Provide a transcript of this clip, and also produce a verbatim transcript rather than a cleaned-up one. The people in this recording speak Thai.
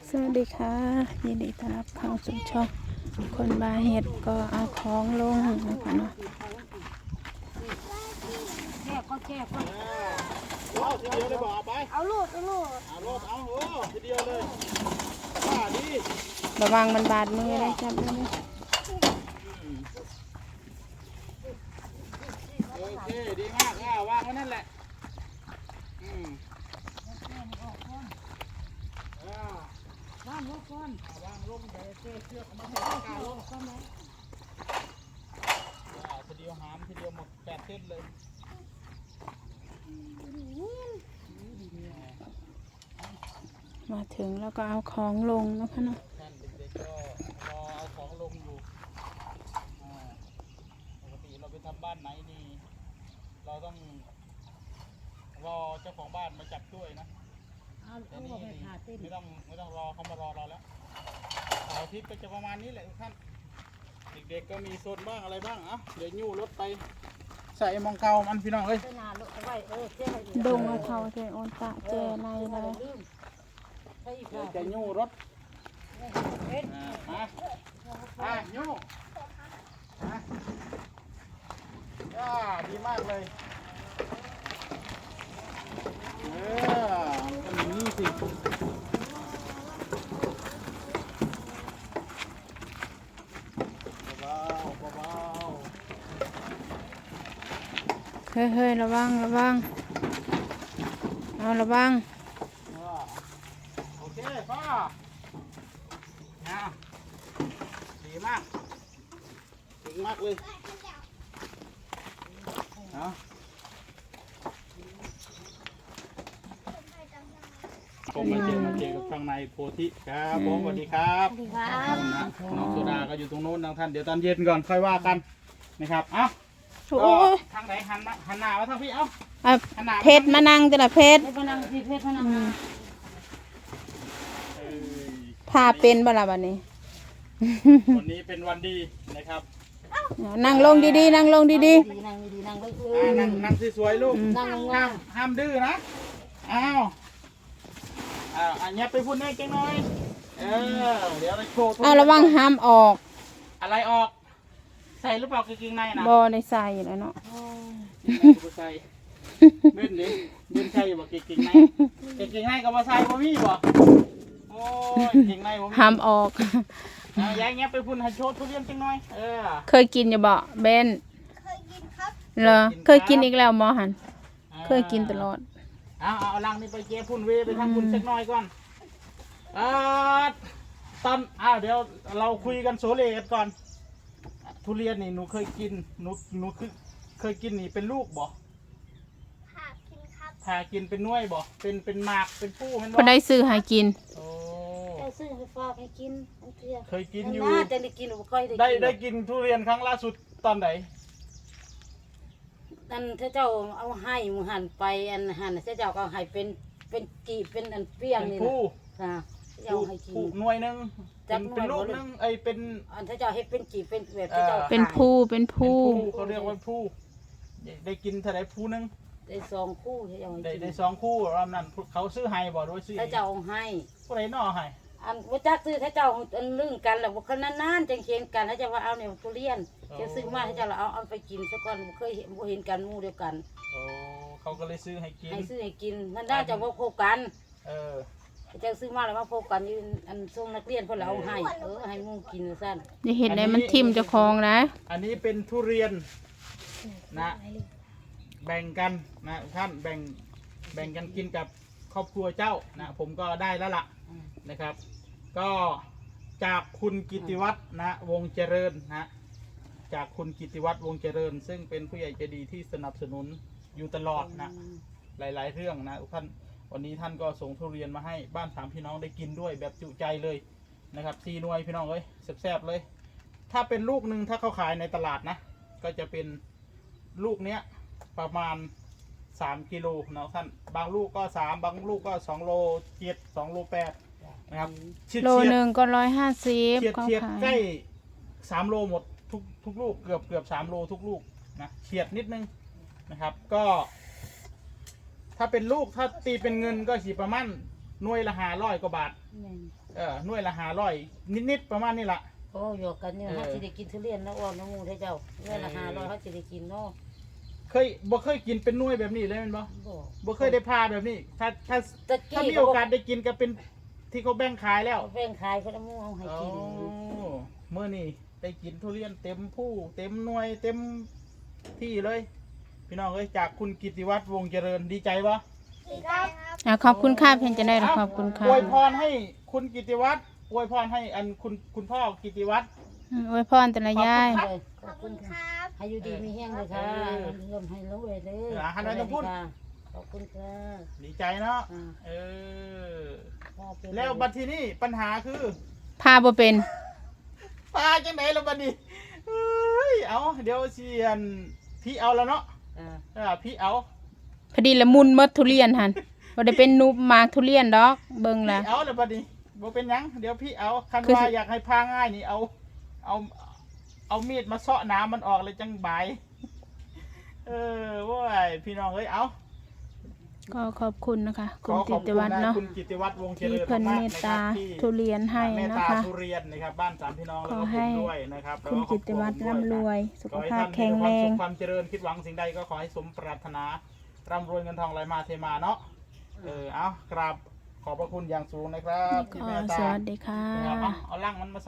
สวัสดีค่ะยินดีต้อนรับเข้าสู่ช่องคนบาเห็ดก็เอาของลงนะคะเนาะแช่ก็แช่ก็เอาทีเดียวเลยบอกเอาไปเอาลูกเอาลูกเอารถเอาโอ้ทีเดียวเลยว่าดีระวังมันบาดมือเลยจับเลยโอเคดีมากอ่าวางไว้นั่นแหละอืมอ่าบ้านลูกก่อนวางลงแต่เชือกเชือกเอามาให้กาลงก่อนไหมอ่าทีเดียวหามทีเดียวหมดแปดเส้นเลยมาถึงแล้วก็เอาของลงนะคะเนาะท่านเด็กๆก็รอเอาของลงอยู่อ่าปกติเราไปทำบ้านไหนนี่เราต้องรอเจ้าของบ้านมาจับช่วยนะเอาแต่เอานี่ไปผ่าเต้นไม่ต้องไม่ต้องรอเขามารอเราแล้วเสาร์อาทิตย์ก็จะประมาณนี้แหละทุกท่านเด็กๆก็มีโซนบ้างอะไรบ้างอ่ะเดี๋ยวยู่รถไปใส่มองเกามันพี่น้องเอ้ยเต้นนานลูกเอาไว้เออเจ๊ไปดงเอาเท่าเจโอนตะเจในเลยลืมไปอีกเดี๋ยวค่ะจะยู่รถเอ็ดอ่ามาอ่ะยู่อ่ะอ่าดีมากเลยเออมันเป็นอย่างนี้สิเบาๆเบาๆเฮ้ยเฮ้ยระวังระวังเอาระวังโอเคพ่อนะดีมากเก่งมากเลยเนาะผมมาเจอมาเจอกับข้างในโพธิครับผมสวัสดีครับสวัสดีครับนะน้องโซดาก็อยู่ตรงโน้นทางท่านเดี๋ยวตอนเย็นก่อนค่อยว่ากันนะครับเอ้าโอ้ยทางไหนหันมาหันหน้ามาทางพี่เอ้าอ่ะหันหน้าเพชรมานั่งจ้ะนะเพชรเพชรพนังพี่เพชรพนังเอ้ยพาเป็นบ่ล่ะบัดนี้วันนี้เป็นวันดีนะครับนั่งลงดีๆนั่งลงดีดีนั่งดีนั่งเลยเออ่าอนั่งนั่งสวยๆลูกนั่งงาห้าม มห้ามดื้อนะ อ้าวอ้าวอันนี้ไปพูดแน่เก่งหน่อย เออ เดี๋ยวเราโชว์ๆเอาระวังห้ามออกอะไรออก ใส่หรือเปล่ากางเกงในนะบ่ได้ใส่แล้วเนาะบ่ใส่เล่นดิเล่นใส่บ่กางเกงในกางเกงในกับบ่ใส่บ่มีบ่โอ้ยกางเกงในบ่มีห้ามออกเอาอย่างเงี้ยไปพูดให้โชว์ทุเรียนเก่งหน่อย เออเคยกินอยู่บ่เบนเคยกินครับเหรอเคยกินอีกแล้วหมอหันเคยกินตลอดเอาเอาเอาลังนี่ไปเจ๊พุ่นเวไปทำพุ่นสักหน่อยก่อนอ่าตอนอ้าวเดี๋ยวเราคุยกันโซเลกันก่อน ทุเรียนนี่หนูเคยกินหนูหนูคือเคยกินนี่เป็นลูกบ่ค่ะกินครับถ้ากินเป็นหน่วยบ่เป็นเป็นหมากเป็นผู้แมันพอได้ซื้อให้กินโอ้เอาซื้อให้ฝากให้กินอันเตี้ยเคยกินอยู่น่าจะได้กินหรือค่อยได้ได้กินได้กินทุเรียนครั้งล่าสุดตอนไหนอันถ้าเจ้าเอาให้หมูหันไปอันหันถ้าเจ้าก็เอาให้เป็นเป็นกีบเป็นอันเปรี้ยงเป็นนี่ผู้นะถ้าเจ้าผู้ให้กินผู้หน่วยหนึงจัเป็นกหน่วยเป็นลูกบ่เลยหนึงไอยเป็นอันถ้าเจ้าให้เป็นกีบเป็นแบบถ้าเจ้าเป็นผู้เป็นเป็นผู้ผู้เขาเรียกว่าผู้ได้ได้กินเท่าไรผู้หนึงได้สองคู่ถ้าเจ้าให้ได้กินได้สองคู่รอบนั้นเขาซื้อให้บ่โดยซื้อถ้าเจ้าเอาให้ผู้ใดน่อให้อันว่าจักซื้อถ้าเจ้าอันลื่นกันแล้วบ่คนนานๆจังเห็นกันถ้าเจ้าว่าเอาเนี่ยทุเรียนเจ้าซื้อมาถ้าเจ้าเอาเอาไปกินซะก่อนบ่เคยเห็นบ่เห็นกันหมู่เดียวกันโอ้เขาก็เลยซื้อให้กินให้ซื้อให้กินนั่นน่าจะบ่พบกันเออเจ้าซื้อมาแล้วมาพบกันอยู่อันส่งนักเรียนเพิ่นแล้วเอาให้เออให้หมู่กินซั่นอย่าเห็นไหนมันทิ่มเจ้าของนะอันนี้เป็นทุเรียนนะแบ่งกันนะท่านแบ่งแบ่งกันกินกับครอบครัวเจ้านะผมก็ได้แล้วล่ะนะครับ ก็จากคุณกิติวัฒน์นะวงเจริญนะจากคุณกิติวัฒน์วงเจริญ ซึ่งเป็นผู้ใหญ่ใจดีที่สนับสนุนอยู่ตลอดนะหลายๆเรื่องนะท่านวันนี้ท่านก็ส่งทุเรียนมาให้บ้านสามพี่น้องได้กินด้วยแบบจุใจเลยนะครับซีหน่วยพี่น้องเอ้ยแซ่บๆเลย ถ้าเป็นลูกหนึ่งถ้าเขาขายในตลาดนะก็จะเป็นลูกเนี้ยประมาณสามกิโลเนาะท่านบางลูกก็สามบางลูกก็สองโลเจ็ดสองโลแปดนะครับเฉียดโลเฉียดหนึ่งก็ร้อยห้าสิบเฉียดเขาเฉียดขายใกล้สามโลหมดทุกทุกลูกเกือบเกือบสามโลทุกลูกนะเฉียดนิดนึงนะครับก็ ถ้าเป็นลูกถ้าตีเป็นเงินก็สิประมาณหน่วยละห้าร้อยกว่าบาทแม่นเออหน่วยละห้าร้อยนิดๆประมาณนี้ล่ะโอ้อยู่กันอยู่เออเฮาสิได้กินทุเรียนนะอ้อน้ำมูกให้เจ้าเงินละห้าร้อยเฮาสิได้กินเนาะเคยบ่เคยกินเป็นหน่วยแบบนี้เลยแมันบ่บ่บ่เคยได้พาแบบนี้ ถ้าถ้าตะถ้ากี้มีโอกาสได้กินก็เป็นที่เขาแบ่งขายแล้วเอาแบ่งขายคนละหมู่เอาให้โอ้กินเมื่อนี่ได้กินทุเรียนเต็มผู้เต็มหน่วยเต็มที่เลย พี่น้องเอ้ยจากคุณกิติวัฒน์วงศ์เจริญดีใจปะดีครับอ่ะขอบคุณค่ะเพียงจะได้หรอขอบคุณค่ะอวยพรให้คุณกิติวัฒน์อวยพรให้อันคุณคุณพ่อกิติวัฒน์อืมอวยพรแต่ละยายขขออบบ คุคุณ ณค่ะครับให้อยู่ดีมีแห้งเลยค่ะเออลมให้ลงเลยเลยเออหันไปทางพุ่นขอบคุณค่ะดีใจเนาะอ่าเออพ่อเป็นแล้วบัดทีนี้ปัญหาคือพาบ่เป็นปลาจังไหนแล้วบัดนี้เอ้ยเอาเดี๋ยวเสียนพี่เอาแล้วเนาะอ่าเออพี่เอาพอดีละมุนหมดทุเรียนหันบ่ได้เป็นนุบหมากทุเรียนดอก เบิ่งละพี่เอาแล้วบัดนี้บ่เป็นหยังเดี๋ยวพี่เอาคันคือว่าสิอยากให้พาง่ายนี่เอา เอา เอามีดมาเซาะน้ำมันออกเลยจังบาย เออว้ายพี่น้องเอ้ยเอาก็ขอบคุณนะคะขคุณอขกิอบติคุณวัฒน์นะเนาะคุณกิติวัฒน์วงศ์เจที่ริญเพิ่นมาเมกตๆนะคตารับที่ทุเรียนให้เมตนะตาคะทุเรียนนะครับบ้านสามพี่น้องแล้วขอก็ให้ผมด้วยนะครับคุณแล้วกิติวัฒน์ร่ำรวย สุขขอให้ภาพท่านแข็มีงคแรวามสุงขความเจริญคิดหวังสิ่งใดก็ขอให้สมปรารถนาร่ำรวยเงินทองไหลมาเทมาเนาะเออเอากราบขอบพระคุณอย่างสูงนะครับที่ขอเมตสตาวัสดีค่ะนะครับเอาเอาลังมันมา